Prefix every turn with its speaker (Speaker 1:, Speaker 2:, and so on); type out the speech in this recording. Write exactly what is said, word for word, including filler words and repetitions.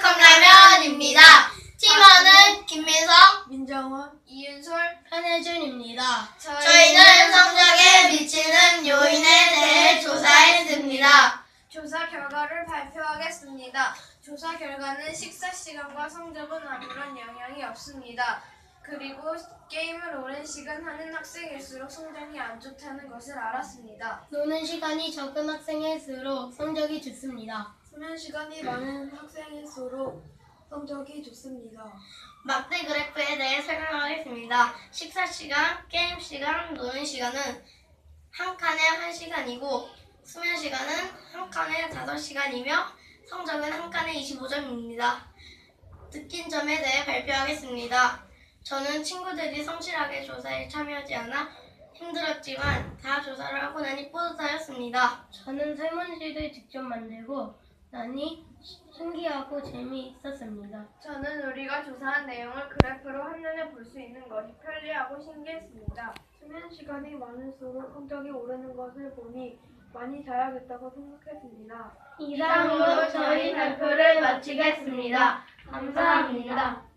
Speaker 1: 컵라면입니다. 팀원은 김민성,
Speaker 2: 민정원,
Speaker 3: 이윤솔,
Speaker 2: 한혜준입니다.
Speaker 1: 저희는 성적에 미치는 요인에 대해 조사했습니다.
Speaker 3: 조사 결과를 발표하겠습니다. 조사 결과는 식사 시간과 성적은 아무런 영향이 없습니다. 그리고 게임을 오랜 시간 하는 학생일수록 성적이 안 좋다는 것을 알았습니다.
Speaker 2: 노는 시간이 적은 학생일수록 성적이 좋습니다.
Speaker 3: 수면 시간이 많은 학생일수록 성적이 좋습니다.
Speaker 1: 막대 그래프에 대해 설명하겠습니다. 식사 시간, 게임 시간, 노는 시간은 한 칸에 한 시간이고 수면 시간은 한 칸에 다섯 시간이며 성적은 한 칸에 이십오 점입니다. 느낀 점에 대해 발표하겠습니다. 저는 친구들이 성실하게 조사에 참여하지 않아 힘들었지만 다 조사를 하고 나니 뿌듯하였습니다.
Speaker 2: 저는 설문지를 직접 만들고 나니 신기하고 재미있었습니다.
Speaker 3: 저는 우리가 조사한 내용을 그래프로 한눈에 볼 수 있는 것이 편리하고 신기했습니다. 수면 시간이 많을수록 성적이 오르는 것을 보니 많이 자야겠다고 생각했습니다.
Speaker 2: 이상으로 저희 발표를 마치겠습니다. 감사합니다.